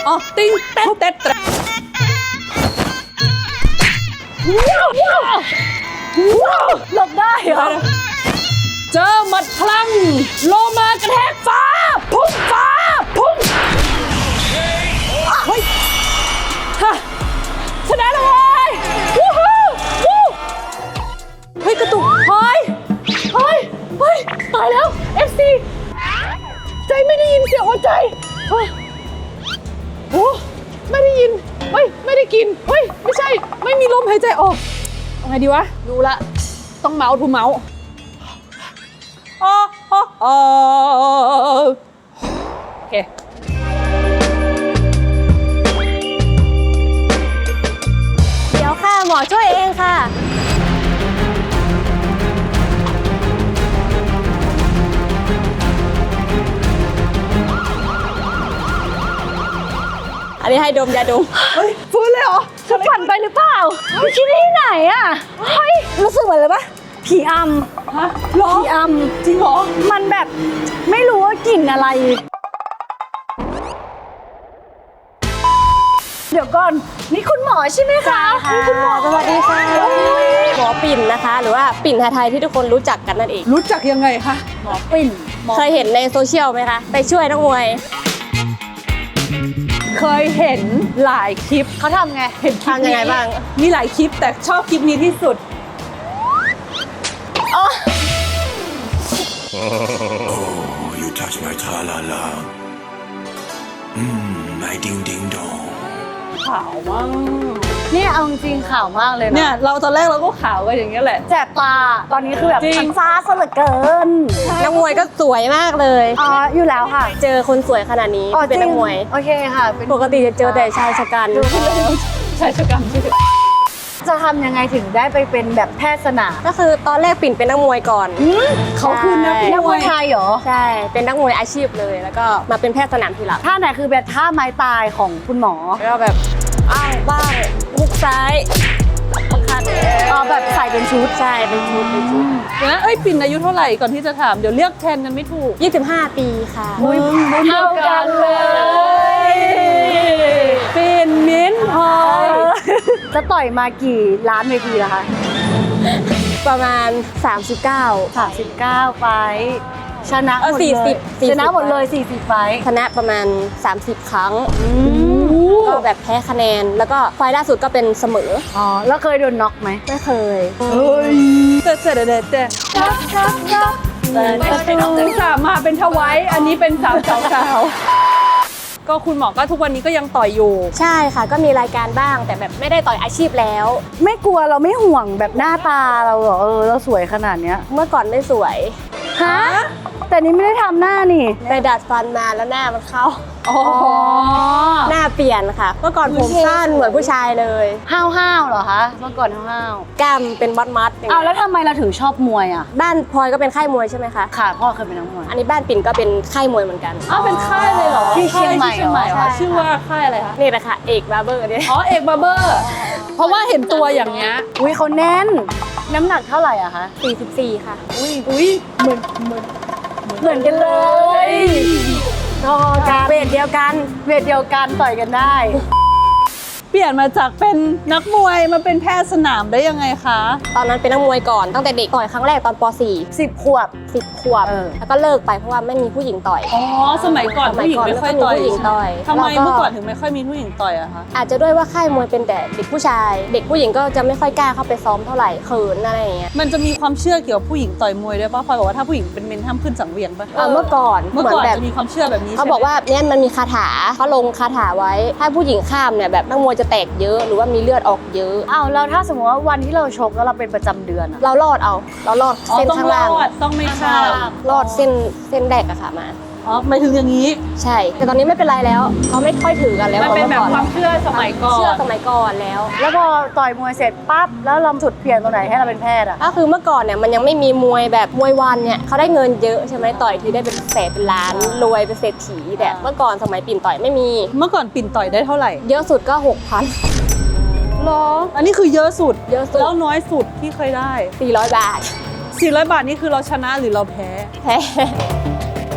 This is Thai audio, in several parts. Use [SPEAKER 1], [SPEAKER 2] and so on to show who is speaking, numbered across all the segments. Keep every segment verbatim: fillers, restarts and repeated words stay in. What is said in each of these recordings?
[SPEAKER 1] อ๋อติ้งเต๊ดเต๊ดเต๊ด
[SPEAKER 2] หลบได้เหรอ
[SPEAKER 1] เจอหมัดพลังโลมากระแทกฟ้าพุ่งฟ้าพุ่งเฮ้ยฮะชนะเลยวู้ฮู้วู้เฮ้ยกระตุกเฮ้ยเฮ้ยเฮ้ยตายแล้ว เอฟ ซี ใจไม่ได้ยินเสียงหัวใจเฮ้ยโอ้ไม่ได้ยินเฮ้ยไม่ได้กินเฮ้ยไม่ใช่ไม่มีลมหายใจออกเอาไงดีวะรู้ละต้องเมาส์ทูเมาส์อ๋ออ๋ออ๋อโอเค
[SPEAKER 2] เดี๋ยวค่ะหมอช่วยเองค่ะอันนี้ให้ดมยาดม
[SPEAKER 1] เฮ้ยฟื้นเลยเหรอ
[SPEAKER 2] จะฝันไปหรือเปล่าคิดที่ไหนอ่ะเฮ้ยรู้สึกเหมือนเลยปะผีอำ
[SPEAKER 1] ฮะหรอ
[SPEAKER 2] ผีอำ
[SPEAKER 1] จริงเหรอ
[SPEAKER 2] มันแบบไม่รู้ว่ากลิ่นอะไรเดี๋ยวก่อนนี่คุณหมอใช่ไหมคะ
[SPEAKER 3] ค่ะคุณหมอสวัสดีค่ะหมอปิ่นนะคะหรือว่าปิ่นไทยที่ทุกคนรู้จักกันนั่นเอง
[SPEAKER 1] รู้จักยังไงคะ
[SPEAKER 2] หมอปิ่น
[SPEAKER 3] เคยเห็นในโซเชียลไหมคะไปช่วยนักมวย
[SPEAKER 1] เคยเห็นหลายคลิป
[SPEAKER 2] เขาทำไง
[SPEAKER 1] เห็น
[SPEAKER 3] ทำยังไงบ้าง
[SPEAKER 1] มีหลายคลิปแต่ชอบคลิปนี้ที่สุด
[SPEAKER 3] อ๋อ
[SPEAKER 4] Oh, you touch my tra-la-la. Mmm, my ding-ding-dong.
[SPEAKER 1] ขาวมาก
[SPEAKER 2] เนี่ยเอาจริงข่าวมากเลยนะ
[SPEAKER 1] เนี่ยเราตอนแรกเราก็ขาวกันอย่างเงี้ยแหละ
[SPEAKER 2] แสบตาตอนนี้คือแบบมันฟ้าซะเหลือเกิน
[SPEAKER 3] นักมวยก็สวยมากเลย
[SPEAKER 2] อ๋ออยู่แล้วค่ะ
[SPEAKER 3] เจอคนสวยขนาดนี้เป็นนักมวย
[SPEAKER 2] โอเคค่ะ
[SPEAKER 3] ปกติจะเจอแต่ชายชะกัน
[SPEAKER 1] ชายชะกัน
[SPEAKER 2] จะทำยังไงถึงได้ไปเป็นแบบแพทย์สนาม
[SPEAKER 3] ก็คือตอนแรกปิ่นเป็นนักมวยก่อน
[SPEAKER 1] เขาคือนัก
[SPEAKER 2] มวยไทยเหรอ
[SPEAKER 3] ใช่เป็นนักมวยอาชีพเลยแล้วก็มาเป็นแพทย์สนามทีหลัง
[SPEAKER 2] ท่าไหนคือแบบท่าไม้ตายของคุณหมอ
[SPEAKER 3] แล้วก็แบบอ้าวบ้างลุกซ้ายคัด
[SPEAKER 2] อ๋อแบบใส่เป็นชุด
[SPEAKER 3] ใช่เป็นชุดเป็นชุด
[SPEAKER 1] นะเอ้ยปิ่นอายุเท่าไหร่ก่อนที่จะถามเดี๋ยวเรียกแทนกันไม่ถูก
[SPEAKER 3] ยี่สิบห้าปีค่ะ
[SPEAKER 1] มึงเท่ากันเลยปิ่นมิ้นพลอย
[SPEAKER 2] จะต่อยมากี่ล้านเวทีล่ะคะ
[SPEAKER 3] ประมาณสามสิบเก้า
[SPEAKER 2] สามสิบเก้าไฟชนะหมดเลยชนะหมดเลยสี่สิบไฟ
[SPEAKER 3] ชนะประมาณสามสิบครั้งก็แบบแพ้คะแนนแล้วก็ไฟล่าสุดก็เป็นเสมอ
[SPEAKER 2] อ๋อแล้วเคยโดนน็อกไหม
[SPEAKER 3] ไม่เคย
[SPEAKER 1] เฮ้ยเตะเตะเตะเตะถึงสามมาเป็นทวายอันนี้เป็นสาวสาวก็คุณหมอก็ทุกวันนี้ก็ยังต่อยอยู่
[SPEAKER 3] ใช่ค่ะก็มีรายการบ้างแต่แบบไม่ได้ต่อยอาชีพแล้ว
[SPEAKER 2] ไม่กลัวเราไม่ห่วงแบบหน้าตาเราเหรอเออเราสวยขนาดเนี้ย
[SPEAKER 3] เมื่อก่อนไม่สวย
[SPEAKER 2] ฮะแต่นี้ไม่ได้ทำหน้านี่
[SPEAKER 3] ไปดัดฟันมาแล้วหน้ามันเข้า
[SPEAKER 1] อ๋อ
[SPEAKER 3] หน้าเปลี่ยนค่ะเมื่อก่อนผมสั้นเหมือนผู้ชายเลย
[SPEAKER 2] ห้าวห้าวเหรอคะเมื่อก่อนห้าวห้าว
[SPEAKER 3] กล้ามเป็นมัดมัด
[SPEAKER 2] เอาแล้วทำไมเราถึงชอบมวยอ่ะ
[SPEAKER 3] บ้านพลอยก็เป็นค่ายมวยใช่ไหมคะ
[SPEAKER 2] ค่ะพ่อเคยเป็นนักมวย
[SPEAKER 3] อันนี้บ้านปิ่นก็เป็นค่ายมวยเหมือนกัน
[SPEAKER 1] อ๋อเป็นค่ายเลยเหรอ
[SPEAKER 2] ที่เชียงใหม่
[SPEAKER 1] เหรอชื่อว่าค่ายอะไรคะ
[SPEAKER 3] นี่แหละค่ะเอกบาร์เบอร์เนี่ย
[SPEAKER 1] อ๋อเอกบาร์เบอร์เพราะว่าเห็นตัวอย่างเงี้ย
[SPEAKER 2] อุ้ยเขาแน่นน้ำหนักเท่าไหร่อะคะ
[SPEAKER 3] สี่สิบสี่ค่ะ
[SPEAKER 1] อุ้ยอุ้ยเหมือนเหมือน
[SPEAKER 2] เหมือนกันเลย
[SPEAKER 3] ก็เวทเดียวกัน
[SPEAKER 2] เวทเดียวกันต่อยกันได้
[SPEAKER 1] เปลี่ยนมาจากเป็นนักมวยมาเป็นแพทย์สนามได้ยังไงคะ
[SPEAKER 3] ตอนนั้นเป็นนักมวยก่อนตั้งแต่เด็กต่อยครั้งแรกตอนป .สี่
[SPEAKER 2] สิบขวบ
[SPEAKER 3] สิบขวบแล้วก็เลิกไปเพราะว่าไม่มีผู้หญิงต่อย
[SPEAKER 1] อ๋อสมัยก่อนผู้หญิงไม่ค่อยต่อย
[SPEAKER 3] ผู้หญิงต่อย
[SPEAKER 1] ทำไมเมื่อก่อนถึงไม่ค่อยมีผู้หญิงต่อยอะคะ
[SPEAKER 3] อาจจะด้วยว่าค่ายมวยเป็นแต่เด็กผู้ชายเด็กผู้หญิงก็จะไม่ค่อยกล้าเข้าไปซ้อมเท่าไหร่เขินอะไรอย่างเงี้ย
[SPEAKER 1] มันจะมีความเชื่อเกี่ยวกับผู้หญิงต่อยมวยด้วยป่ะพลอยบอกว่าถ้าผู้หญิงเป็นเมนห้ามขึ้นสังเวียนป่ะ
[SPEAKER 3] เมื่อก่อน
[SPEAKER 1] เมื่อก่อนจะมีความเชื่อแบบนี้
[SPEAKER 3] เขาบอกว่าเนี่ยมันมีคาถาเขาลงคาถาไว้ถ้าผู้หญิงข้ามเนี่ยแบบนักมวยจะแตกเยอะหรือว่ามีเลือดออกเยอะ
[SPEAKER 2] อ้าวแล้วถ้าสมมติว่าวันที่เราชกแล้วเราเป็นประจำเดือน
[SPEAKER 3] เรารอดเอาเรารอดเส้นข้างล่าง
[SPEAKER 1] ต้องไม่ข้าม
[SPEAKER 3] รอดเส้นเส้นแดกอะค่ะมา
[SPEAKER 1] อ๋อไม่ถึงอย่างนี้
[SPEAKER 3] ใช่แต่ตอนนี้ไม่เป็นไรแล้วเขาไม่ค่อยถือกันแล้ว
[SPEAKER 1] มันเป็นแบบความเชื่อสมัยก่อน
[SPEAKER 3] เชื่อสมัยก่อนแล้ว
[SPEAKER 2] แล้วพอต่อยมวยเสร็จปั๊บแล้วเราจุดเปลี่ยนตรงไหนให้เราเป็นแพทย์อะ
[SPEAKER 3] ก็คือเมื่อก่อนเนี่ยมันยังไม่มีมวยแบบมวยวันเนี่ยเขาได้เงินเยอะใช่ไหมต่อยทีได้เป็นแสนเป็นล้านรวยเป็นเศรษฐีแต่เมื่อก่อนสมัยปิ่นต่อยไม่มี
[SPEAKER 1] เมื่อก่อนปิ่นต่อยได้เท่าไหร่
[SPEAKER 3] เยอะสุดก็หกพัน
[SPEAKER 1] หรออันนี้คือเยอะสุด
[SPEAKER 3] เยอะสุด
[SPEAKER 1] แล้วน้อยสุดที่เคยได้
[SPEAKER 3] สี่ร้อยบาท
[SPEAKER 1] สี่ร้อยบาทนี่คือเราชนะหรือเราแพ้
[SPEAKER 3] แพ้ก็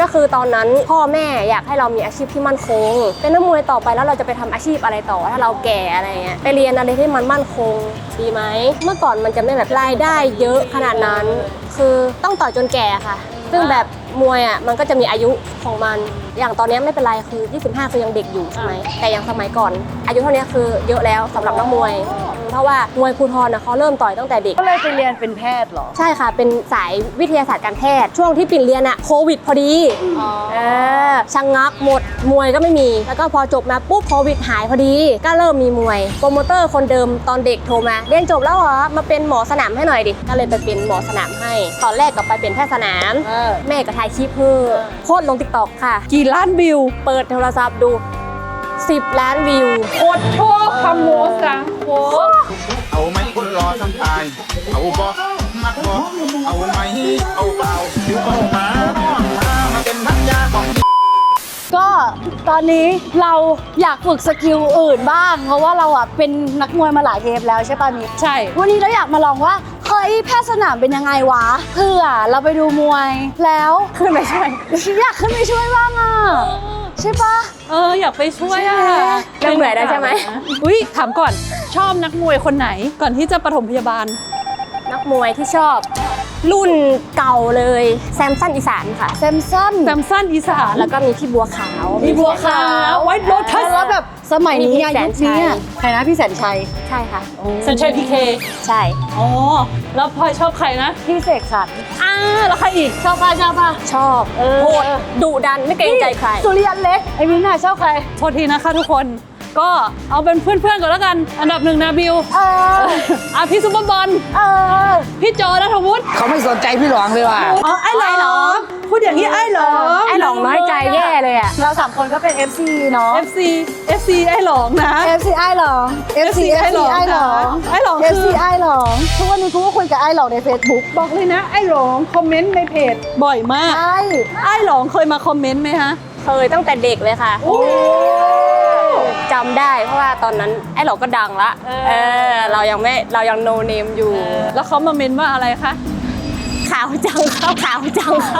[SPEAKER 3] คือตอนนั้นพ่อแม่อยากให้เรามีอาชีพที่มั่นคงเป็นนักมวยต่อไปแล้วเราจะไปทำอาชีพอะไรต่อถ้าเราแก่อะไรเงี้ยไปเรียนอะไรที่มันมั่นคงดีไหมเมื่อก่อนมันจะไม่แบบรายได้เยอะขนาดนั้นคือต้องต่อยจนแก่ค่ะซึ่งแบบมวยอ่ะมันก็จะมีอายุของมันอย่างตอนนี้ไม่เป็นไรคือยี่สิบห้าคือยังเด็กอยู่ใช่ไหมแต่อย่างสมัยก่อนอายุเท่านี้คือเยอะแล้วสำหรับนักมวยเพราะว่ามวยภูธรนะเขาเริ่มต่อยตั้งแต่เด็ก
[SPEAKER 2] ก็เลยไปเรียนเป็นแพทย์เหรอ
[SPEAKER 3] ใช่ค่ะเป็นสายวิทยาศาสตร์การแพทย์ช่วงที่ปิ่นเรียนอะโควิดพอดีเออชังงักหมดมวยก็ไม่มีแล้วก็พอจบมาปุ๊บโควิดหายพอดีก็เริ่มมีมวยโปรโมเตอร์คนเดิมตอนเด็กโทรมาเรียนจบแล้วเหรอมาเป็นหมอสนามให้หน่อยดิก็เลยไปเป็นหมอสนามให้ตอนแรกก็ไปเป็นแพทย์สนาม
[SPEAKER 2] เออ
[SPEAKER 3] แม่ก็ถ่ายคลิปเพื่อโพสต์ลงติ๊กต็อกค่ะ
[SPEAKER 1] กี่ล้านวิว
[SPEAKER 3] เปิดโทรศัพท์ดูสิบล้านวิว
[SPEAKER 1] โคตรโชคคำโมสังโค
[SPEAKER 5] เอาไหมคนรอทั้งตาย เอาบ่มักบ่เอาไหมเอาเปล่าผิวเอามาน้องมามาเป็นพันยาของ
[SPEAKER 2] ก็ตอนนี้เราอยากฝึกสกิลอื่นบ้าง เพราะว่าเราอ่ะเป็นนักมวยมาหลายเทปแล้วใช่ป่ะมิก
[SPEAKER 1] ใช่
[SPEAKER 2] วันนี้เราอยากมาลองว่าเฮ้ยแพทย์สนามเป็นยังไงวะเพื่อเราไปดูมวยแล้วขึ้นไปช่วยอยากขึ้นไปช่วยบ้างอ่ะใช่ปะ
[SPEAKER 1] เอออยากไปช่วยอ่ะ
[SPEAKER 3] เริ่มเหนื่อยแล้วใช่ไหม
[SPEAKER 1] อุ้ยถามก่อนชอบนักมวยคนไหนก่อนที่จะปฐมพยาบาล
[SPEAKER 3] นักมวยที่ชอบรุ่นเก่าเลยแซมสันอีสานค่ะ
[SPEAKER 2] แซมสัน
[SPEAKER 1] แซมสันอีสาน
[SPEAKER 3] แล้วก็มีพี่บัวขาว
[SPEAKER 1] มีบัวขาวไวท์โรทัส
[SPEAKER 2] แล้วแบบสมัยนี้
[SPEAKER 3] มีพี่
[SPEAKER 2] อะ
[SPEAKER 3] แส
[SPEAKER 2] ยุ
[SPEAKER 3] น
[SPEAKER 2] คนี้อะ
[SPEAKER 3] ชัย
[SPEAKER 2] ใครนะพี่แสนชัย
[SPEAKER 3] ใช่ค่ะ
[SPEAKER 1] สัญชัยพีเค
[SPEAKER 3] ใช่
[SPEAKER 1] อ๋อแล้วพลอยชอบใครนะ
[SPEAKER 2] พี่เสกสรร
[SPEAKER 1] อ่าแล้วใครอีก
[SPEAKER 2] ชอบป่ะชอบป่ะ
[SPEAKER 3] ชอบ
[SPEAKER 2] เออ
[SPEAKER 3] โหดดุดันไม่เกรงใจใคร
[SPEAKER 2] สุริยันเล็กไอ้มินน่ะชอบใคร
[SPEAKER 1] โทษทีนะคะทุกคนก็เอาเป็นเพื่อนๆก่อนแล้วกัน อันดับหนึ่งนาบิว
[SPEAKER 2] เออ
[SPEAKER 1] อ่ะพี่ซุปเปอร์บอล
[SPEAKER 2] เออ
[SPEAKER 1] พี่โจนัทวุฒิ
[SPEAKER 6] เขาไม่สนใจพี่หลวงเลยว่ะ
[SPEAKER 1] อ๋อไอ้หล
[SPEAKER 3] ไอ้หล
[SPEAKER 1] อ
[SPEAKER 3] อง
[SPEAKER 1] งพูดอย่างนี้ไอ้หลอง
[SPEAKER 3] ไอ้หลองน้อยใจแย่เลยอ่ะ
[SPEAKER 2] เราสามคนก็เป็น เอฟ ซี เนาะ
[SPEAKER 1] เอฟซีเอฟซีไอ้หลองนะ
[SPEAKER 2] เอฟ ซี ไอ้หลอง เอฟ ซี
[SPEAKER 1] ไอ้หลอง
[SPEAKER 2] ไอ้หลอง
[SPEAKER 1] ไอ้หลอง
[SPEAKER 2] เอฟ
[SPEAKER 1] คื
[SPEAKER 2] ซี
[SPEAKER 1] อ
[SPEAKER 2] ไอ้หลองทุกวันนี้กูก็คุยกับไอ้หลองใน Facebook
[SPEAKER 1] บอกเลยนะไอ้หลองคอมเมนต์ในเพจบ่อยมาก
[SPEAKER 2] ใช่
[SPEAKER 1] ไอ้หลองเคยมาคอมเมนต์ไหมฮะ
[SPEAKER 3] เคยตั้งแต่เด็กเลยค่ะจำได้เพราะว่าตอนนั้นไอ้หลอกก็ดังละเออเรายังไม่เรายังโนเนมอยู่
[SPEAKER 1] แล้วเขามาเมนว่าอะไรคะ
[SPEAKER 3] ขาวจังครับขาวจังครับ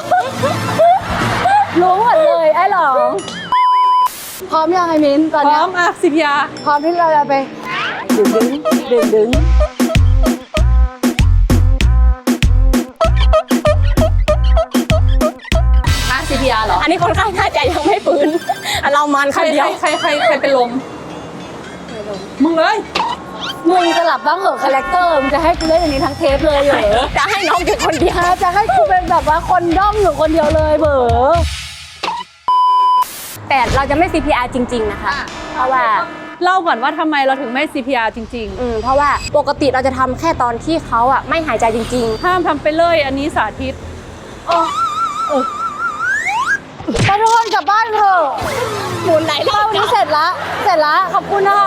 [SPEAKER 2] รู้หมดเลยไอ้หลองพร้อมยังไอ้มินตอน
[SPEAKER 1] พร้
[SPEAKER 2] เนี้
[SPEAKER 1] อย มอ่ะสิพิยา
[SPEAKER 2] พร้อมที่เราจะไปดึงดึงดึงดึง
[SPEAKER 1] อ่ะสิพิยาเหรอ
[SPEAKER 3] อันนี้คนไข้น่าจะยังไม่ฟื้นเรามัน
[SPEAKER 1] ใคร
[SPEAKER 3] คนเดี
[SPEAKER 1] ใคร
[SPEAKER 3] ยว
[SPEAKER 1] ใครใครใครเป็นลมมึงเลย
[SPEAKER 2] มึงสลับบ้างเหอะคาแรคเตอร์มึงจะให้กูเล่นอย่างนี้ทั้งเทปเลยเหรอ
[SPEAKER 3] จะให้น้องอยู่คนเดียว
[SPEAKER 2] จะให้กูเป็นแบบว่าคนด้อมอยู่คนเดียวเลยเบอ
[SPEAKER 3] แต่เราจะไม่ ซี พี อาร์ จริง ๆ นะคะ เพราะว่า
[SPEAKER 1] เล่าก่อนว่าทำไมเราถึงไม่ ซี พี อาร์ จริง
[SPEAKER 3] อืมเพราะว่าปกติเราจะทำแค่ตอนที่เขาอ่ะไม่หายใจจริง
[SPEAKER 1] ๆ ห้ามทำไปเลยอันนี้สาธิต
[SPEAKER 2] ไปทุกคนกลับบ้านเถอะ
[SPEAKER 3] ๆหมุนไหลรอ
[SPEAKER 2] เท่า
[SPEAKER 3] บ
[SPEAKER 2] นี้เสร็จละเสร็จละขอบคุณนะคะ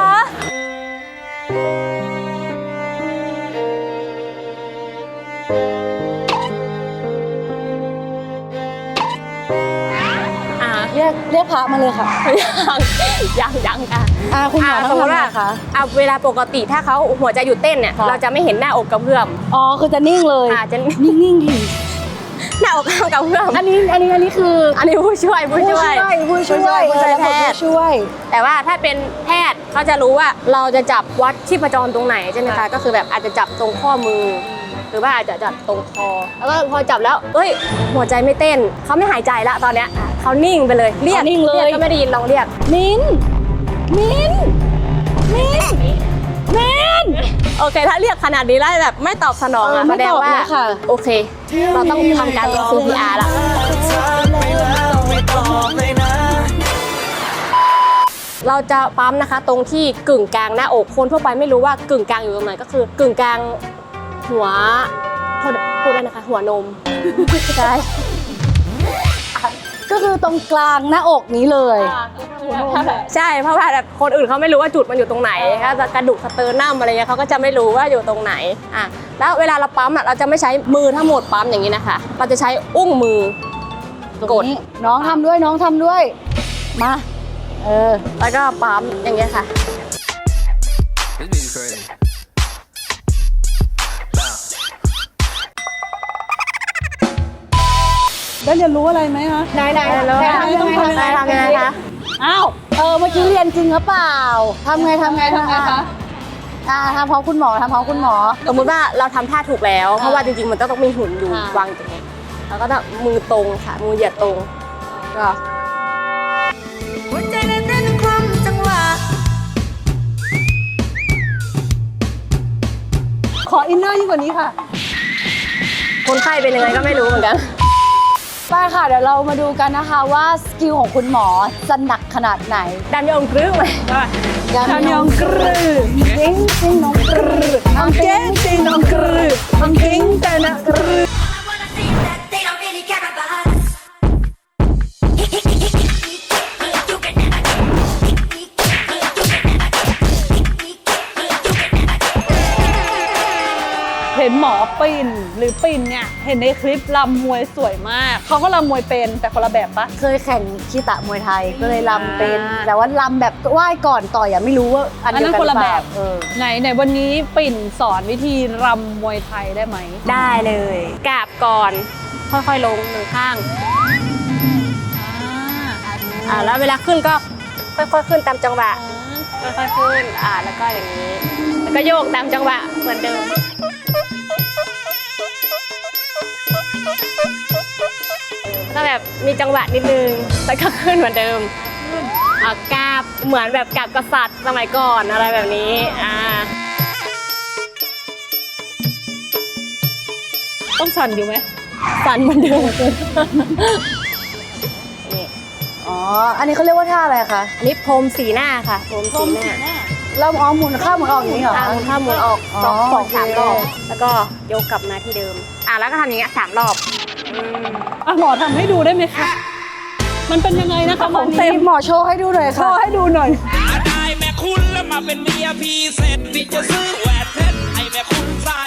[SPEAKER 3] อ่า
[SPEAKER 2] เรียกเรียกพระมาเลยค่ะ
[SPEAKER 3] ยังยังยังค่ะ
[SPEAKER 2] อ่าคุณหมอ
[SPEAKER 3] อ่า
[SPEAKER 2] ต้อง
[SPEAKER 3] สมมติ
[SPEAKER 2] ทำ
[SPEAKER 3] ว่า
[SPEAKER 2] ไงคะ
[SPEAKER 3] อ่ะเวลาปกติถ้าเขาหัวใจหยุดเต้นเนี่ย
[SPEAKER 2] ค่ะ
[SPEAKER 3] เราจะไม่เห็นหน้าอกกระเพื่อม
[SPEAKER 2] อ๋อคือจะนิ่งเลย
[SPEAKER 3] อาจจะ
[SPEAKER 2] นิ่งนิ่งๆดิ
[SPEAKER 3] หน้าอกข้างกระเพื่อม
[SPEAKER 2] อันนี้อันนี้อันนี้คือ
[SPEAKER 3] อันนี้ผู้ช่วยผู้ช่วย
[SPEAKER 2] ผู้ช่วย
[SPEAKER 3] ผู้ช่วย
[SPEAKER 2] เออ
[SPEAKER 3] แพทย์
[SPEAKER 2] ผู้ช่วย
[SPEAKER 3] แต่ว่าถ้าเป็นแพทย์เขาจะรู้ว่าเราจะจับวัดชีพจรตรงไหนใช่ไหมคะก็คือแบบอาจจะจับตรงข้อมือ หรือว่าอาจจะจับตรงคอ แล้วก็พอจับแล้วเอ้ย หัวใจไม่เต้นเขาไม่หายใจละตอนเนี้ยอ่ะเขานิ่งไปเลยเรียก
[SPEAKER 2] เขานิ่งเลย
[SPEAKER 3] รีกก็ไม่ได้ยินลองเรียก
[SPEAKER 2] มินมินมินมิน
[SPEAKER 3] โอเค ถ้าเรียกขนาดนี้แล้วแบบไม่ตอบสนอง
[SPEAKER 2] เออ
[SPEAKER 3] อะ
[SPEAKER 2] ไม่
[SPEAKER 3] แสดง
[SPEAKER 2] ตอบ
[SPEAKER 3] ว่า
[SPEAKER 2] เลยค่ะ
[SPEAKER 3] โอเค เราต้องทำการ ซี พี อาร์ ละเราจะปั๊มนะคะ ตรงที่กึ่งกลางหน้าอกคนทั่วไปไม่รู้ว่ากึ่งกลางอยู่ตรงไหนก็คือกึ่งกลางหัวโทษพูดได้นะคะ หัวนมใช่
[SPEAKER 2] ก็คือตรงกลางหน้าอกนี้เลย
[SPEAKER 3] ใช่เพราะว่าแบบคนอื่นเขาไม่รู้ว่าจุดมันอยู่ตรงไหนก็จะกระดูกสเตอร์นัมอะไรเงี้ยเขาก็จะไม่รู้ว่าอยู่ตรงไหนอ่ะแล้วเวลาเราปั๊มอ่ะเราจะไม่ใช้มือทั้งหมดปั๊มอย่างนี้นะคะ เราจะใช้อุ้งมือกด
[SPEAKER 2] นี่น้องทำด้วยน้องทำด้วย มา เออ
[SPEAKER 3] แล้วก็ปั๊มอย่างเงี้ยค่ะ
[SPEAKER 4] This beat is crazy. Bounce.
[SPEAKER 1] ได้เรียนรู้อะไรไหมคะ
[SPEAKER 2] ไหนไหนไหนทำยังไงทำยังไงทำยังไงคะ
[SPEAKER 1] อ้าว
[SPEAKER 2] เออเมื่อกี้เรียนจริงหรือเปล่าทำไงทำไง
[SPEAKER 1] ทำไงคะ
[SPEAKER 2] อ่าทำพร้อมคุณหมอทำพร้อมคุณหมอ
[SPEAKER 3] สมมุติว่าเราทำท่าถูกแล้ว เพราะว่าจริงๆมันต้องต้องมีหุ่นอยู่
[SPEAKER 2] อ่า
[SPEAKER 3] วางตรงนี้แล้วก็ต้องมือตรงค่ะ มือเหยียดตรงก็
[SPEAKER 6] หัวใจเต้นเต้นคล่องจังหวะ
[SPEAKER 1] ขออินเนอร์ยิ่งกว่านี้ค่ะ
[SPEAKER 3] คนไข้เป็นยังไงก็ไม่รู้เหมือนกัน
[SPEAKER 2] ไปค่ะเดี๋ยวเรามาดูกันนะคะว่าสกิลของคุณหมอจะหนักขนาดไหน
[SPEAKER 3] ดำยองกรึ้งไหม
[SPEAKER 1] ทำยองกรือ
[SPEAKER 2] จริงจริงน้องกรือ
[SPEAKER 1] อังเก้งตีนองกรืออังเก้งแต่นะกรือ
[SPEAKER 6] I wanna see that they don't really care about us. You can never You can never
[SPEAKER 1] เห็นหมอปิ่นหรือปิ่นเนี่ย เห็นในคลิปลำมวยสวยมาก เขาก็ลำมวยเป็นแต่คนละแบบปะ
[SPEAKER 2] เคยแข่งคีตะมวยไทยก็เลยลำเป็น
[SPEAKER 1] อ่า
[SPEAKER 2] แต่ว่าลำแบบไหว้ก่อนต่อยอะไม่รู้ว่าอัน
[SPEAKER 1] อัน
[SPEAKER 2] เดีย
[SPEAKER 1] นั้
[SPEAKER 2] วน กัน
[SPEAKER 1] คนละ
[SPEAKER 2] หรือ
[SPEAKER 1] แบ
[SPEAKER 2] เปล่า
[SPEAKER 1] บ
[SPEAKER 2] เออ
[SPEAKER 1] ไหนไหนวันนี้ปิ่นสอนวิธีรำมวยไทยได้ไหม
[SPEAKER 3] ได้เลยกราบก่อน ค่อยๆลงหนึ่งข้าง อ่าแล้วเวลาขึ้นก็ค่อยๆขึ้นตามจังหวะ ค่อยๆขึ้น อ่า แล้วก็อย่างนี้ แล้วก็โยกตามจังหวะเหมือนเดิม ก็แบบมีจังหวะนิดนึง แล้วก็ขึ้นเหมือนเดิมอ่ากราบเหมือนแบบกราบกษัตริย์สมัยก่อนอะไรแบบนี้ อ่า
[SPEAKER 1] ต้องสั่นอยู่ไหม
[SPEAKER 3] สั่นเหมือนเดิม นี่
[SPEAKER 2] อ๋อ อันนี้เขาเรียกว่าท่าอะไรคะ
[SPEAKER 3] อันนี้พรมสีหน้าค่ะพรมสีหน้า
[SPEAKER 2] เราอ๋อหมุนข้ามหมุนออกอย่างนี้เหรอ
[SPEAKER 3] อ่าหมุนเข้าหมุนออก
[SPEAKER 2] อ๋อ
[SPEAKER 3] สองสองสาม
[SPEAKER 2] โอเค
[SPEAKER 3] รอบ แล้วก็ยกกลับมาที่เดิม อ่าแล้วก็ทำอย่างเงี้ยสามรอบอืม
[SPEAKER 1] อ่ะหมอทำให้ดูได้ไหมคะ มันเป็นยังไงนะคะของเต็ม
[SPEAKER 2] หมอโชว์ให้ดูหน่อย
[SPEAKER 1] โช
[SPEAKER 2] ค่ะ
[SPEAKER 1] ว์ให้ดูหน่อย
[SPEAKER 7] ได้แม่คุณแล้วมาเป็นเมียพี่เสร็จพี่จะซื้อแหวนเพชรให้แม่คุณใส่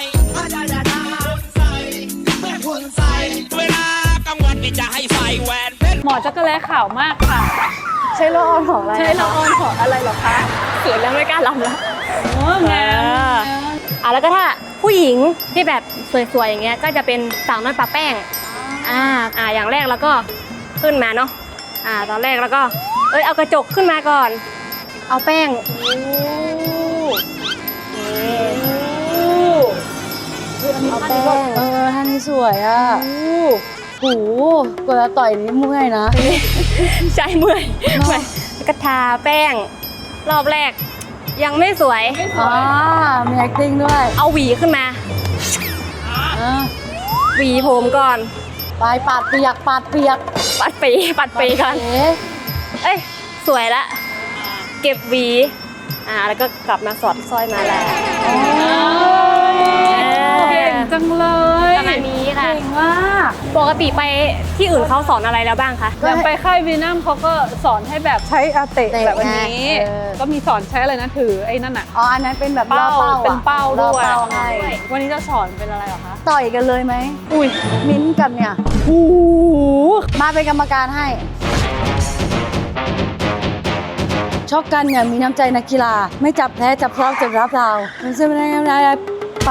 [SPEAKER 7] เวลากลางวันนี่จะให้ใส่แหวนเพชร
[SPEAKER 1] หมอจักรแล้ขาวมากค่ะ
[SPEAKER 2] ใช้ละออนของอะไร
[SPEAKER 1] ใช้ละออนของอะไรเหรอคะ
[SPEAKER 3] เขินแล้วไม่กล้าลำแล้ว
[SPEAKER 1] โอ้งาม
[SPEAKER 3] อ่าแล้วก็ถ้าผู้หญิงที่แบบสวยๆอย่างเงี้ยก็จะเป็นสาวน้อยปะแป้ง อ่า อ่า อย่างแรกแล้วก็ขึ้นมาเนาะ อ่า ตอนแรกแล้วก็ เอ้ย เอากระจกขึ้นมาก่อน เอาแป้งนี่เอาแป้ง
[SPEAKER 2] เออท่านี้สวยอ่ะโอ้โหเวลาต่อยนี่เมื่อยนะ
[SPEAKER 3] ใช่เมื่อยเมื่อยแล้วก็ทาแป้ง รอบแรก ยังไม่สวย
[SPEAKER 2] อ่ามี acting ด้วย
[SPEAKER 3] เอาหวีขึ้นมา
[SPEAKER 2] อ่า
[SPEAKER 3] หวีผมก่อน
[SPEAKER 2] ปลายปาดเปียกปาดเปียก
[SPEAKER 3] ปัดปีปัดปีก่อน
[SPEAKER 2] เอ๊ะ
[SPEAKER 3] เอ้ย สวยละ เก็บหวี อ่า แล้วก็กลับมาสอดสร้อยมาแล้ว
[SPEAKER 1] เก่งจังเลย
[SPEAKER 3] ประมาณนี้ค่ะ
[SPEAKER 2] เก่งมาก
[SPEAKER 3] ปกติไปที่อื่นเขาสอนอะไรแล้วบ้างคะ
[SPEAKER 1] อย่างไปค่ายวีนัมเขาก็สอนให้แบบใช้อาเตะ
[SPEAKER 2] เตะ
[SPEAKER 1] แบบอันนี้
[SPEAKER 2] เออ
[SPEAKER 1] ก็มีสอนใช้อะไรนะถือไอ้นั่นอะ
[SPEAKER 2] อ๋อ อันนั้นเป็นแบบล่อ
[SPEAKER 1] เป้า
[SPEAKER 2] เป้าอะ
[SPEAKER 1] เป็นเป้าด้วย
[SPEAKER 2] ล่อเป้าให้
[SPEAKER 1] วันนี้จะสอนเป็นอะไรเหรอคะ
[SPEAKER 2] ต่อยกันเลยไหม
[SPEAKER 1] อุ้ย
[SPEAKER 2] มิ้นท์กันเนี่ย
[SPEAKER 1] โอ้โห
[SPEAKER 2] มาเป็นกรรมการให้ ชอบกันเนี่ยมีน้ำใจนักกีฬา ไม่จับแพ้จับพร้อมจับรับเรามันจะเป็นอะไรไป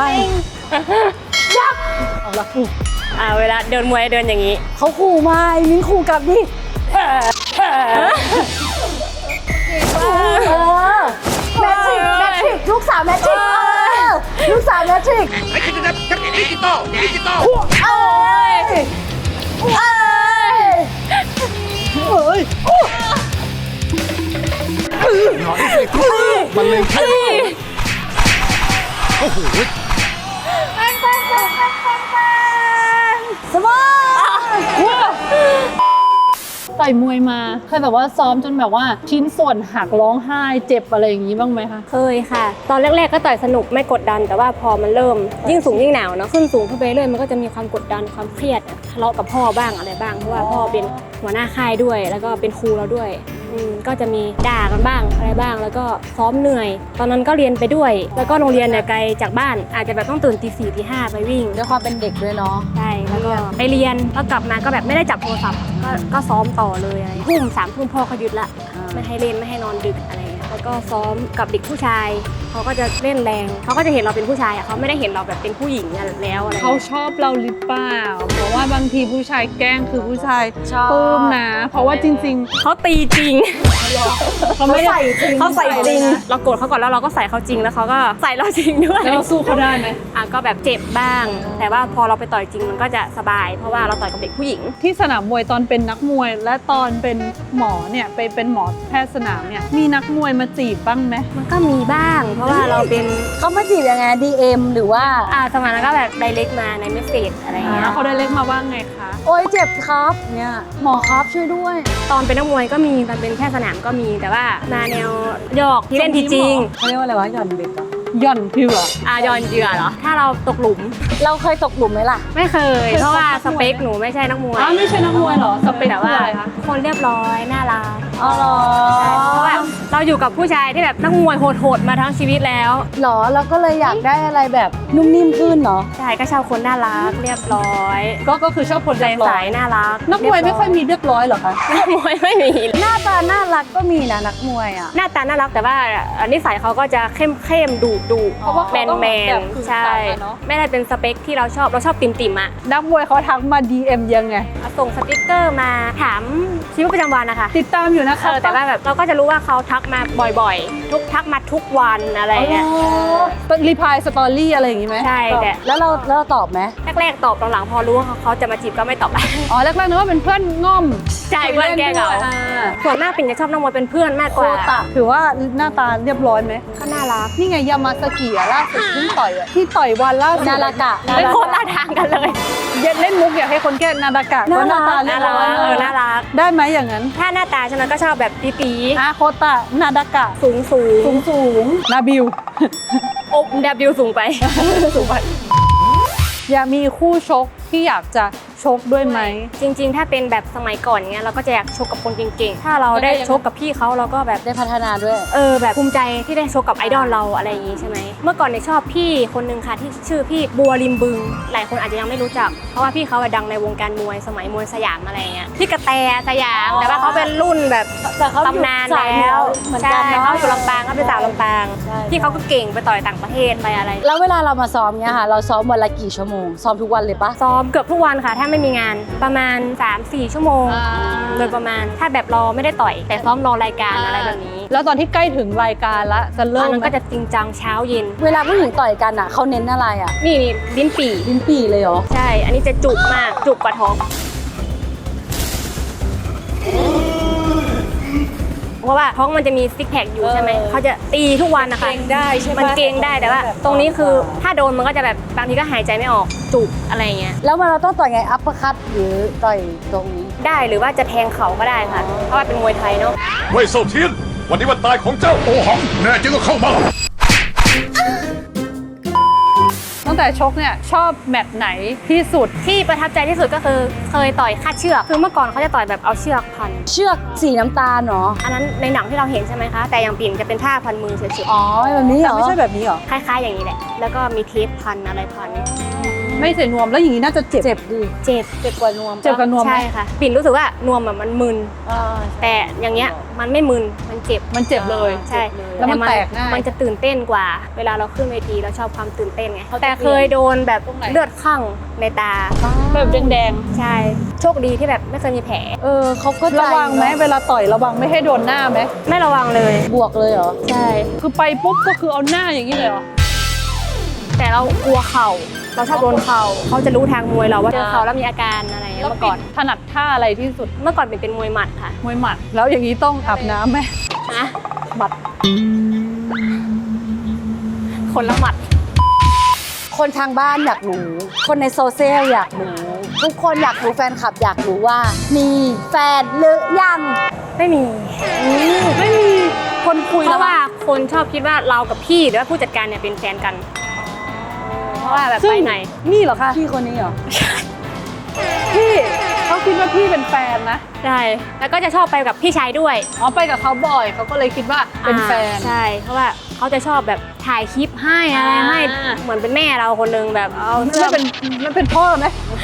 [SPEAKER 1] เอาละอุ๊ย
[SPEAKER 3] อ่า เวลาเดินมวยเดินอย่างนี้
[SPEAKER 2] เขาขู่มาไอ้มิ้นท์ขู่กลับดิเออแมทริกแมทริกลูกสาวแมทริกเออลูกสาวแมทริก
[SPEAKER 5] ไอ้ดิจิตอลดิจิตอลดิจิตอล
[SPEAKER 2] เอ้ยเอ้ย
[SPEAKER 1] เอ้ย
[SPEAKER 5] หน่อยสิมันเลยแค่โอ้โห
[SPEAKER 2] สมอง
[SPEAKER 1] ต่อยมวยมาเคยแบบว่าซ้อมจนแบบว่าชิ้นส่วนหักร้องไห้เจ็บอะไรอย่างนี้บ้างไหมคะ
[SPEAKER 3] เคยค่ะ ตอนแรกๆก็ต่อยสนุกไม่กดดัน แต่ว่าพอมันเริ่มยิ่งสูงยิ่งหนาวเนาะ ขึ้นสูงขึ้นไปเรื่อยมันก็จะมีความกดดันความเครียดทะเลาะกับพ่อบ้างอะไรบ้าง เพราะว่าพ่อเป็นหัวหน้าค่ายด้วย แล้วก็เป็นครูเราด้วยอืมก็จะมีด่ากันบ้างอะไรบ้าง แล้วก็ซ้อมเหนื่อย ตอนนั้นก็เรียนไปด้วย แล้วก็โรงเรียนเนี่ยไกลจากบ้าน อาจจะแบบต้องตื่นตีสี่ตีห้าไปวิ่ง
[SPEAKER 2] ด้วยความเป็นเด็กด้วยเนาะ
[SPEAKER 3] ใช่ แล้วก็ไปเรียนแล้วกลับมาก็แบบไม่ได้จับโทรศัพท์ ก็ก็ซ้อมต่อเลยอะไรทุ่มสามทุ่มพ่อเขายึดละ
[SPEAKER 2] อ่า
[SPEAKER 3] ไม่ให้เล่นไม่ให้นอนดึกอะไรเงี้ยแล้วก็ซ้อมกับเด็กผู้ชายเขาก็จะเล่นแรงเขาก็จะเห็นเราเป็นผู้ชายอ่ะเขาไม่ได้เห็นเราแบบเป็นผู้หญิงแล้วอะไร
[SPEAKER 1] เขา
[SPEAKER 3] เงี้ย
[SPEAKER 1] ชอบเราหรือเปล่าเพราะว่าบางทีผู้ชายแกล้งคือผู้ชาย
[SPEAKER 2] ชอบ
[SPEAKER 1] ปลื้มนะ เพราะว่าจริง
[SPEAKER 3] เขาตีจริง
[SPEAKER 1] ๆเขาไม่ได้
[SPEAKER 3] เขาใส่จริงเราโกรธเขาก่อนแล้วเราก็ใส่เขาจริงแล้วเขาก็ใส่เราจริงด้วย
[SPEAKER 1] แล้วเราสู้เขาได้ไหม
[SPEAKER 3] อ่ะก็แบบเจ็บบ้าง แต่ว่าพอเราไปต่อยจริงมันก็จะสบาย เพราะว่าเราต่อยกับเด็กผู้หญิง
[SPEAKER 1] ที่สนามมวยตอนเป็นนักมวย และตอนเป็นหมอเนี่ยไปเป็นหมอแพทย์สนามเนี่ยมีนักมวยมาจีบบ้างไหม
[SPEAKER 3] มันก็มีบ้าง เพราะว่าเราเป็น
[SPEAKER 2] เขามาจีบยังไง ดี เอ็ม หรือว่า
[SPEAKER 3] อ่าสมัยนั้นก็แบบไดเรกมาในเมสเซจอะไรเงี้ย
[SPEAKER 1] เขาได้เล็กมาว่าไงคะ
[SPEAKER 2] โอ๊ยเจ็บครับเนี่ยหมอครับช่วยด้วย
[SPEAKER 3] ตอนเป็นนักมวยก็มีตอนเป็นแพทย์สนามก็มีแต่ว่ามาแนวหยอกที่เล่นทีจริง
[SPEAKER 2] เขาเรียกว่าอะไรวะหย่อนเบ็ดเหรอ
[SPEAKER 1] หย่อนเถื่อ
[SPEAKER 3] อ่ะยอนเหยื่อเหรอถ้าเราตกหลุม
[SPEAKER 2] เราเคยตกหลุมไหมล่ะ
[SPEAKER 3] ไม่เคย เพราะว่าสเปคหนูไม่ใช่นักมวย
[SPEAKER 1] อ๋อไม่ใช่นักมวยเหรอสเปค
[SPEAKER 3] แต่
[SPEAKER 1] คือ
[SPEAKER 3] ว่า
[SPEAKER 1] อะไรคะ
[SPEAKER 3] คนเรียบร้อยน่ารัก
[SPEAKER 2] อ๋อเหรอ
[SPEAKER 3] ใช่เพราะว่าเราอยู่กับผู้ชายที่แบบนักมวยโหดๆมาทั้งชีวิตแล้ว
[SPEAKER 2] เหรอเราก็เลยอยากได้อะไรแบบนุ่มนิ่มขึ้นเนาะ
[SPEAKER 3] ใช่ก็ชอบคนน่ารักเรียบร้อย
[SPEAKER 1] ก็ก็คือชอบคน
[SPEAKER 3] ใจ
[SPEAKER 1] เรียบร้
[SPEAKER 3] ใส
[SPEAKER 1] อย
[SPEAKER 3] น่ารัก
[SPEAKER 1] นักมวยไม่ค่อยมีเรียบร้อยเหรอคะ
[SPEAKER 3] นักมวยไม่มี
[SPEAKER 2] หน้าตาน่ารักก็มีนะนักมวยอ่ะ
[SPEAKER 3] หน้าตาน่ารักแต่ว่านิสัยเขาก็จะเข้มเข้มๆดุดุ
[SPEAKER 1] เพราะว่า
[SPEAKER 3] แม
[SPEAKER 1] เขา
[SPEAKER 3] น
[SPEAKER 1] ต้อง
[SPEAKER 3] แม
[SPEAKER 1] แบ
[SPEAKER 3] น
[SPEAKER 1] บคือ
[SPEAKER 3] ใช่
[SPEAKER 1] ต่างกันเนอะ
[SPEAKER 3] ไม่ได้เป็นสเปคที่เราชอบเราชอบติ่มติ่มๆอะ
[SPEAKER 1] นักมวยเขาทักมา ดี เอ็ม ยังไง
[SPEAKER 3] ส่งสติ๊กเกอร์มาถามชีวิตประจำวันนะคะ
[SPEAKER 1] ติดตามอยู่นะ
[SPEAKER 3] เอ
[SPEAKER 1] คะ
[SPEAKER 3] อแต่ว่าแบบเราก็จะรู้ว่าเขาทักมาบ่อยๆ ทุกทักมาทุกวันอะไรเงี้ย
[SPEAKER 1] รีพายสตอรี่อะไรอย่างงี้ไหม
[SPEAKER 3] ใช่แต่
[SPEAKER 2] แล้วเราแล้วเราตอบไหม
[SPEAKER 3] แรกๆตอบหลังๆพอรู้ว่าเขาจะมาจีบก็ไม่ตอบ
[SPEAKER 1] อ๋อแรกๆนึกว่าเป็นเพื่อนง่อม
[SPEAKER 3] ใช่เพื่อนแกล้งเรา
[SPEAKER 1] คุยล่นด้วยอ่า
[SPEAKER 3] ส่วนมากปิ่นจะชอบนักมวยเป็นเพื่อนมากก
[SPEAKER 2] โค
[SPEAKER 3] ว่า
[SPEAKER 2] ตะ
[SPEAKER 1] ถือว่าหน้าตาเรียบร้อยไหม
[SPEAKER 3] ก็น่ารัก
[SPEAKER 1] นี่ไงยามาสกิอะล่าสุดเพิ่งต่อยอะที่ต่อยวันล่าสุด
[SPEAKER 2] นาฬกะ
[SPEAKER 3] เป็นคนละทางกันเลย
[SPEAKER 1] เย็นเล่นมุกอยากให้คนแก้นาดากะก็หน้าตาเรีย
[SPEAKER 3] น่า
[SPEAKER 1] บ
[SPEAKER 3] รั
[SPEAKER 1] ร้อย
[SPEAKER 3] กเออน่ารัก
[SPEAKER 1] ได้ไหมอย่างนั้น
[SPEAKER 3] ถ้าหน้าตาฉันก็ชอบแบบปีปี
[SPEAKER 1] อาโคตะนาดากะ
[SPEAKER 3] สูงสูง
[SPEAKER 1] สูงสูงนาบิว
[SPEAKER 3] อบดับบิวสูงไป
[SPEAKER 1] สูงไปอยากมีคู่ชกที่อยากจะชกด้วยไหม
[SPEAKER 3] จริงๆ ถ้าเป็นแบบสมัยก่อนเงี้ยเราก็จะอยากชกกับคนเก่งๆ ถ้าเราได้ชกกับพี่เขาเราก็แบบ
[SPEAKER 2] ได้พัฒนาด้วย
[SPEAKER 3] เออแบบภูมิใจที่ได้ชกกับไอดอลเราอะไรอย่างงี้ใช่ไหมเมื่อก่อนเนี่ยชอบพี่คนนึงค่ะที่ชื่อพี่บัวริมบึง หลายคนอาจจะยังไม่รู้จัก เพราะว่าพี่เขาอะดังในวงการมวยสมัยมวยสยามอะไรเงี้ยพี่กระแตสยามแต่ว่าเขาเป็นรุ่นแบบ
[SPEAKER 2] แต่เขาอยู่
[SPEAKER 3] ตำนาน
[SPEAKER 2] สายเหนื
[SPEAKER 3] แล้
[SPEAKER 2] อ
[SPEAKER 3] ว
[SPEAKER 2] เหมือน
[SPEAKER 3] ใช่
[SPEAKER 2] กันเนอะ
[SPEAKER 3] เขาอยู่ลำปางเขาเป็นสาวลำปาง
[SPEAKER 2] ใช่
[SPEAKER 3] พี่เขาก็เก่งไปต่อยต่างประเทศไปอะไร
[SPEAKER 2] แล้วเวลาเรามาซ้อมเนี่ยค่ะ เราซ้อมวันละกี่ชั่วโมง ซ้อมทุกวันเลยปะ
[SPEAKER 3] ซ้อมเกือบทุกวันค่ะ ถ้าไม่มีงานประมาณ สามสี่ ชั่วโมง
[SPEAKER 1] อ่า
[SPEAKER 3] โดยประมาณถ้าแบบรอไม่ได้ต่อย แต่ซ้อมรอรายการอะไรแบบนี้
[SPEAKER 1] แล้วตอนที่ใกล้ถึงรายการละจะ
[SPEAKER 3] ต
[SPEAKER 1] เริ่
[SPEAKER 3] อน
[SPEAKER 1] ม
[SPEAKER 3] นั้น
[SPEAKER 1] ไหม
[SPEAKER 3] ก็จะจริงจังเช้าเย็น
[SPEAKER 2] เวลาผู้หญิงต่อยกันอ่ะเขาเน้นอะไรอ่ะ
[SPEAKER 3] นี่นี่ลิ้นปี่
[SPEAKER 2] ลิ้นปี่เลยเหรอ
[SPEAKER 3] ใช่ อันนี้จะจุกมากจุกกว่าท้องเพราะว่าท้องมันจะมีซิกแพคอยู่ใช่ไหมเขาจะตีทุกวันนะคะ
[SPEAKER 1] เกรงได้ใช่ไหม
[SPEAKER 3] มันเกรงได้แต่ว่า ตรงนี้คือถ้าโดนมันก็จะแบบบางทีก็หายใจไม่ออกจุกอะไรเงี้ย
[SPEAKER 2] แล้วมันเราต้องต่อยไง อัปเปอร์คัตหรือต่อยตรงนี้
[SPEAKER 3] ได้หรือว่าจะแทงเข่าก็ได้ค่ะ เพราะว่าเป็นมวยไทยเนาะ
[SPEAKER 8] เว่ยเซาเทียน วันนี้วันตายของเจ้าโอหัง แน่จริงก็เข้ามา
[SPEAKER 1] ตั้งแต่ชกเนี่ยชอบแมตช์ไหนที่สุด
[SPEAKER 3] ที่ประทับใจที่สุดก็คือเคยต่อยคาดเชือกคือเมื่อก่อนเขาจะต่อยแบบเอาเชือกพัน
[SPEAKER 2] เชือกสีน้ำตาลเนาะ
[SPEAKER 3] อันนั้นในหนังที่เราเห็นใช่ไหมคะ แต่อย่างปิ่นจะเป็นผ้าพันมือเฉย
[SPEAKER 2] อ๋อแบบนี้เหรอ
[SPEAKER 1] ไม่ใช่แบบนี้เหรอ
[SPEAKER 3] ๆคล้ายๆอย่างนี้แหละ แล้วก็มีเทปพันอะไรพัน
[SPEAKER 1] ไม่ใส่นวมแล้วอย่างนี้น่าจะเจ็บ
[SPEAKER 2] เจ็บดิ
[SPEAKER 3] เจ็บ
[SPEAKER 2] เจ็บกว่านวมปะ
[SPEAKER 1] เจ็บกับนวมไหม
[SPEAKER 3] ใช่ค่ะ ปิ่นรู้สึกว่านวมแบบมันมึน
[SPEAKER 2] อ่า
[SPEAKER 3] แต่อย่างเงี้ยมันไม่มึนมันเจ็บ
[SPEAKER 1] มันเจ็บเลย
[SPEAKER 3] ใช่
[SPEAKER 1] แล้วมันแตกง่าย
[SPEAKER 3] มันจะตื่นเต้นกว่า เวลาเราขึ้นเวทีเราชอบความตื่นเต้นไงแต่เคยโดนแบบ
[SPEAKER 1] ตรงไหน
[SPEAKER 3] เลือดข้างในตา
[SPEAKER 1] แบบแดง
[SPEAKER 3] ใช่โชคดีที่แบบไม่เคยมีแผล
[SPEAKER 2] เออเขาก็
[SPEAKER 1] ๆระวังไหมเวลาต่อยระวังไม่ให้โดนหน้าไหม
[SPEAKER 3] ไม่ระวังเลย
[SPEAKER 2] บวกเลยเหรอ
[SPEAKER 3] ใช่
[SPEAKER 1] คือไปปุ๊บก็คือเอาหน้าอย่างนี้เลยเหรอ
[SPEAKER 3] แต่เรากลัวเข่า เราชอบโดนเข่าเขาจะรู้ทางมวยเราว่าเจอเข่าแล้วมีอาการอะไรอย่างเงี้ยเมื่อก่อน
[SPEAKER 1] ถนัดท่าอะไรที่สุด
[SPEAKER 3] เมื่อก่อนเป็นเป็นมวยหมัดค่ะ
[SPEAKER 1] มวยหมัด แล้วอย่างนี้ต้องอาบน้ำไหม
[SPEAKER 3] นะ
[SPEAKER 1] หมัด
[SPEAKER 3] คนละหมัด
[SPEAKER 2] คนทางบ้านอยากรู้ คนในโซเชียลอยากรู้ ทุกคนอยากรู้แฟนคลับอยากรู้ว่า มีแฟนหรือยัง
[SPEAKER 3] ไม่มี
[SPEAKER 1] ไม่มีคนคุย
[SPEAKER 3] เพ
[SPEAKER 1] แล้ว
[SPEAKER 3] ราะว่าคนชอบคิดว่าเรากับพี่หรือว่าผู้จัดการเนี่ยเป็นแฟนกัน เพราะว่าแบบ
[SPEAKER 1] ซึ่ง
[SPEAKER 3] ไปไหน
[SPEAKER 1] นี่เหรอคะ
[SPEAKER 2] พี่คนนี้เหรอ
[SPEAKER 1] พี่เขาคิดว่าพี่เป็นแฟนนะ
[SPEAKER 3] ใช่ แล้วก็จะชอบไปกับพี่ชายด้วย
[SPEAKER 1] อ๋อไปกับเขาบ่อยเขาก็เลยคิดว่าเป็นแฟน
[SPEAKER 3] อ่าใช่ เพราะว่าเขาจะชอบแบบถ่ายคลิปให้อะไรให้
[SPEAKER 1] อ่า
[SPEAKER 3] เหมือนเป็นแม่เราคนนึงแบบเอาเสื้
[SPEAKER 1] ไม่
[SPEAKER 3] อ
[SPEAKER 1] เป็นไม่เป็นพ่อไหม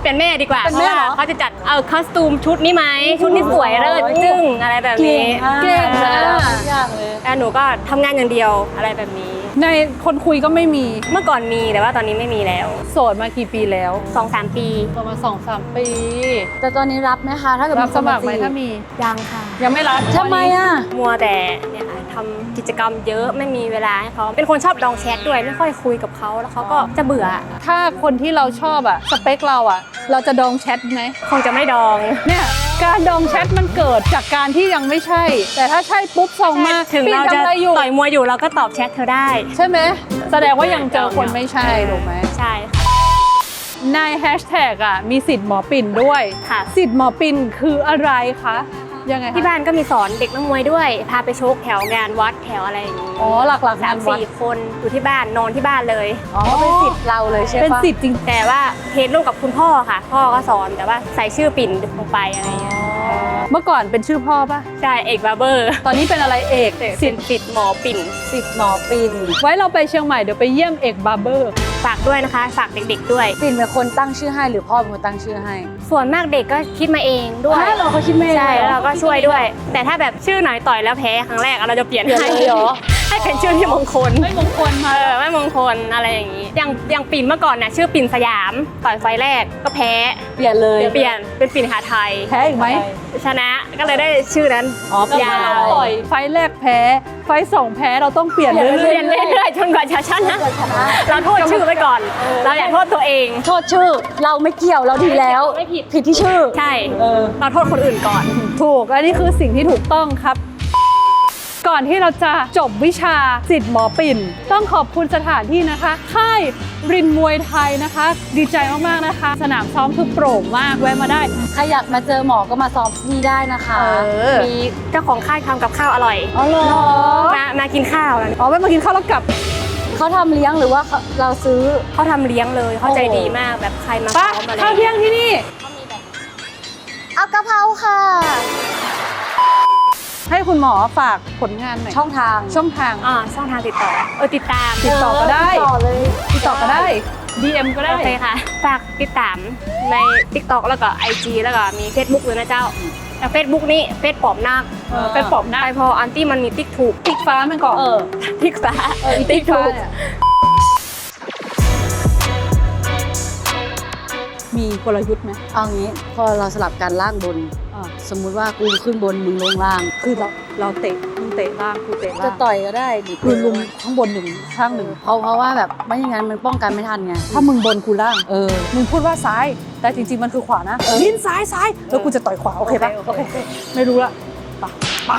[SPEAKER 3] เปลี่ยนแม่ดีกว่า
[SPEAKER 2] เป็นแม่เหรอ
[SPEAKER 3] พราะว่าเขาจะจัดเอาคอสตูมชุดนี้ไหมชุดนี้สวยเลิศจึ้งอะไรแบบนี้
[SPEAKER 2] เก่งมาก
[SPEAKER 1] อย่างเลย
[SPEAKER 3] แล้วหนูก็ทำงานอย่างเดียวอะไรแบบนี้
[SPEAKER 1] ในคนคุยก็ไม่มี
[SPEAKER 3] เมื่อก่อนมีแต่ว่าตอนนี้ไม่มีแล้ว
[SPEAKER 1] โสดมากี่ปีแล้ว
[SPEAKER 3] สองสามปี
[SPEAKER 1] ประมาณสองสามปี
[SPEAKER 2] แต่ตอนนี้รับไหมคะ ถ้าเกิด
[SPEAKER 1] รับสมัครไหม
[SPEAKER 2] จีบ
[SPEAKER 1] ถ้ามี
[SPEAKER 3] ยังค่ะ
[SPEAKER 1] ยังไม่รับ
[SPEAKER 2] ทำไมอ่ะ
[SPEAKER 3] มัวแต่เนี่ยค่ะทำกิจกรรมเยอะไม่มีเวลาให้เขาเป็นคนชอบดองแชทด้วยไม่ค่อยคุยกับเขาแล้วเขาก็จะเบื่อ
[SPEAKER 1] ถ้าคนที่เราชอบอะสเปคเราอะเราจะดองแชทไหม
[SPEAKER 3] คงจะไม่ดอง
[SPEAKER 1] เนี่ยการดองแชทมันเกิดจากการที่ยังไม่ใช่ แต่ถ้าใช่ปุ๊บส่งมา
[SPEAKER 3] ถึงเราจะ
[SPEAKER 1] ปีทำอไอยู่
[SPEAKER 3] ต่อยมวยอยู่เราก็ตอบแชทเธอได้
[SPEAKER 1] ใช่ไหมแสดงว่ายังเจอคนไม่ใช่ถูกไหม
[SPEAKER 3] ใช่ค่ะ
[SPEAKER 1] ในแฮชแท็กอะมีสิทธิ์หมอปิ่นด้วย
[SPEAKER 3] ค่ะ
[SPEAKER 1] สิทธิ์หมอปิ่นคืออะไรคะยังไงคะ
[SPEAKER 3] ที่บ้านก็มีสอนเด็กนักมวยด้วย พาไปชกแถวงานวัดแถวอะไรอย่างนี้
[SPEAKER 1] อ๋อหลักๆ
[SPEAKER 3] สาง
[SPEAKER 1] าม นวัด
[SPEAKER 3] สี่คนอยู่ที่บ้านนอนที่บ้านเลย
[SPEAKER 2] อ๋อเป็นสิทธิ์เราเลยใช่ปะ
[SPEAKER 1] เป็นสิทธิ์จริง
[SPEAKER 3] แต่ว่าเทรนร่วมกับคุณพ่อค่ะ พ่อก็สอนแต่ว่าใส่ชื่อปิ่นลงไปอะไรเงี้ย
[SPEAKER 1] เมื่อก่อนเป็นชื่อพ่อปะ
[SPEAKER 3] ใช่เอกบาร์เบอร์
[SPEAKER 1] ตอนนี้เป็นอะไรเอก
[SPEAKER 3] สิทธิ์สิทธิ์หมอปิ่น
[SPEAKER 2] สิทธิ์หมอปิ่น
[SPEAKER 1] ไว้เราไปเชียงใหม่เดี๋ยวไปเยี่ยมเอกบาร์เบอร์
[SPEAKER 3] ฝากด้วยนะคะ ฝากเด็กๆด้วย
[SPEAKER 2] ปิ่นเป็นคนตั้งชื่อให้หรือพ่อเป็นคนตั้งชื่อให้
[SPEAKER 3] ส่วนมากเด็กก็คิดมาเองด้วย
[SPEAKER 2] ฮะเหรอเขาคิดมาเอง
[SPEAKER 3] ใช่
[SPEAKER 2] เหรอ
[SPEAKER 3] แล้วเราก็ช่วยด้วย แต่ถ้าแบบชื่อไหนต่อยแล้วแพ้ครั้งแรกเราจะเปลี่ยน
[SPEAKER 2] เปลี่ยน
[SPEAKER 3] ให้
[SPEAKER 2] เลยเหรอ
[SPEAKER 3] ให้เป็นชื่อที่มงคล
[SPEAKER 1] ไม่มงคลมา
[SPEAKER 3] เออไม่มงคลอะไรอย่างนี้ อย่างอย่างปิ่นเมื่อก่อนเนี่ยชื่อปิ่นสยามต่อยไฟแรกก็แพ้
[SPEAKER 2] เปลี่ยนเลย
[SPEAKER 3] เปลี่ยนเป็นปิ่นหาไทย
[SPEAKER 1] แพ้อีกไหม
[SPEAKER 3] ชนะก็เลยได้ชื่อนั้น
[SPEAKER 2] อ๋อเปลี่ยน
[SPEAKER 3] ยา
[SPEAKER 1] เรา
[SPEAKER 3] ว
[SPEAKER 1] ต่อยไฟล์แรกแพ้ ไฟล์สองแพ้เราต้องเปลี่ยนเรื่
[SPEAKER 3] เปลี่
[SPEAKER 1] อย
[SPEAKER 3] ยนเรื่อยๆจนกว่าจะชนะเราโทษชื่อไว้ก่อน เราอย่าโทษตัวเอง
[SPEAKER 2] โทษชื่อเราไม่เกี่ยวเราดีแล้ว
[SPEAKER 3] ไม่ผิด
[SPEAKER 2] ผิดที่ชื่อ
[SPEAKER 3] ใช่เราโทษคนอื่นก่อน
[SPEAKER 1] ๆ ถูก อันนี้คือสิ่งที่ถูกต้องครับ ก่อนที่เราจะจบวิชาสิทธิ์หมอปิ่น ต้องขอบคุณสถานที่นะคะ ค่ายรินมวยไทยนะคะ ดีใจมากๆนะคะ สนามซ้อมคือโปร่งมากแวะมาได้
[SPEAKER 2] ใครอยากมาเจอหมอก็มาซ้อมที่นี่ได้นะคะ
[SPEAKER 1] เออ
[SPEAKER 3] มีเจ้าของค่ายทำกับข้าวอร่อย
[SPEAKER 2] อ๋อเหรอ
[SPEAKER 3] มามากินข้าวแล้ว
[SPEAKER 1] อ๋อแวะมากินข้าวแล้วกลับ
[SPEAKER 2] เขาทำเลี้ยงหรือว่าเขาเราซื้อ
[SPEAKER 3] เขาทำเลี้ยงเลยเขาใจดีมากแบบใครมา
[SPEAKER 1] ปะ
[SPEAKER 3] ซ้อมอะไร
[SPEAKER 1] ข้าวเที่ยงที่นี่
[SPEAKER 2] เอากะเพราค่ะ
[SPEAKER 1] ให้คุณหมอฝากผลงานหน่อย
[SPEAKER 2] ช่องทาง
[SPEAKER 1] ช่องทาง
[SPEAKER 3] อ่าช่องทางติดต่อเออติดตาม
[SPEAKER 1] ติดต่อก็ได้
[SPEAKER 2] ติดต่อเลย
[SPEAKER 1] ติดต่อก็ได้ ดี เอ็ม ก็ได้
[SPEAKER 3] โอเคค่ะ ฝากติดตามใน TikTok แล้วก็ ไอ จี แล้วก็มี Facebook ด้วยนะเจ้าแต่ Facebook นี้เฟซปอบนาค
[SPEAKER 1] เออเป็นปอบหน้า
[SPEAKER 3] ไปพออันตี้มันมีติ๊กถูก
[SPEAKER 1] ติ๊กฟ้ามันก่อน
[SPEAKER 2] เออ
[SPEAKER 3] ติ๊กฟ้า
[SPEAKER 1] เอออีติ๊กฟ้าเนี่ยมีกลยุทธ์ไหม
[SPEAKER 2] เอางี้พอเราสลับกันล่างบน
[SPEAKER 1] อ่า
[SPEAKER 2] สมมุติว่ากูขึ้นบนมึงลงล่าง
[SPEAKER 1] คือเราเราเตะมึงเตะล่างกูเตะ
[SPEAKER 2] จะ
[SPEAKER 1] ล่าง
[SPEAKER 2] ต่อยก็ได้หรือ
[SPEAKER 1] คือลุงข้างบนหนึ่งข้างหนึ่ง
[SPEAKER 2] เพราะเพราะว่าแบบไม่อย่างนั้นมันป้องกันไม่ทันไง
[SPEAKER 1] ถ้ามึงบนกูล่าง
[SPEAKER 2] เออ
[SPEAKER 1] มึงพูดว่าซ้าย แต่จริงๆมันคือขวานะลิ้นซ้ายซ้ายแล้วกูจะต่อยขวาโอเคปะ
[SPEAKER 2] โอเคโอเค
[SPEAKER 1] ไม่รู้ละปะปะ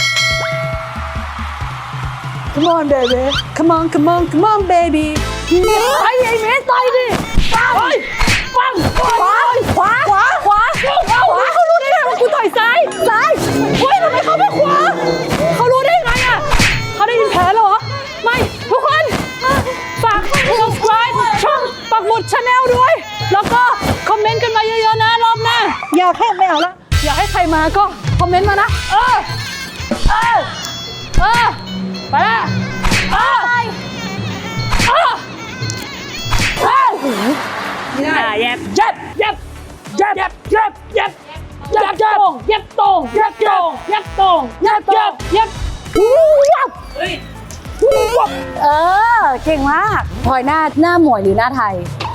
[SPEAKER 1] Come on baby Come on Come on Come on baby ไอ้ไอ้เมสต่อยดิปังปังขวาขวาขวาขวาขวาเขารู้ได้ไงว่ากูต่อยซ้ายซ้ายเฮ้ยทำไมเขาไม่ขวาเขารู้ได้ไงอ่ะเขาได้ยินแผลเหรอไม่ทุกคนฝาก subscribe ช่องปักหมุด Channel ด้วย แล้วก็คอมเมนต์กันมาเยอะๆนะรอบหน้าอยากให้ไม่เอาละอยากให้ใครมาก็คอมเมนต์มานะเออเออเออไปละเออเออเออ
[SPEAKER 3] อ่าแยบ
[SPEAKER 1] เย็บเย็บเย็บเย็บเย็บเย็บเย็บเย็บตรงเย็บตรงเย็บตรงเย็บตรงเย็บเย็บเย็บว้าวเฮ้ยว้าว
[SPEAKER 2] เออ เก่งมากพลอยหน้าหน้าหมวยหรือหน้าไทย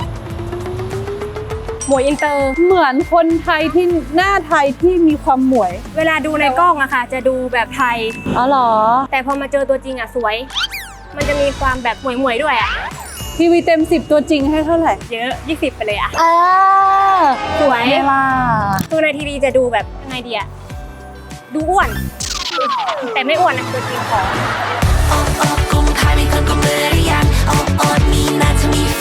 [SPEAKER 3] หมวยอินเตอร์
[SPEAKER 1] เหมือนคนไทยที่หน้าไทยที่มีความหมวย
[SPEAKER 3] เวลาดูในกล้องอะค่ะ จะดูแบบไทย
[SPEAKER 2] อ๋อเหรอ
[SPEAKER 3] แต่พอมาเจอตัวจริงอะสวย มันจะมีความแบบหมวยๆด้วยอะ
[SPEAKER 1] ทีวีเต็มสิบตัวจริงให้เท่าไหร่
[SPEAKER 3] เยอะยี่สิบไปเลยอะ
[SPEAKER 2] เออ
[SPEAKER 3] สวย
[SPEAKER 2] ไม่ล่ะ
[SPEAKER 3] ตัวในทีวีจะดูแบบยังไงดีอะดูอ้วน แต่ไม่อ้วนนะตัวจริงของ
[SPEAKER 6] Oh, oh, kung kami kang kamarian. Oh, oh, ni na to me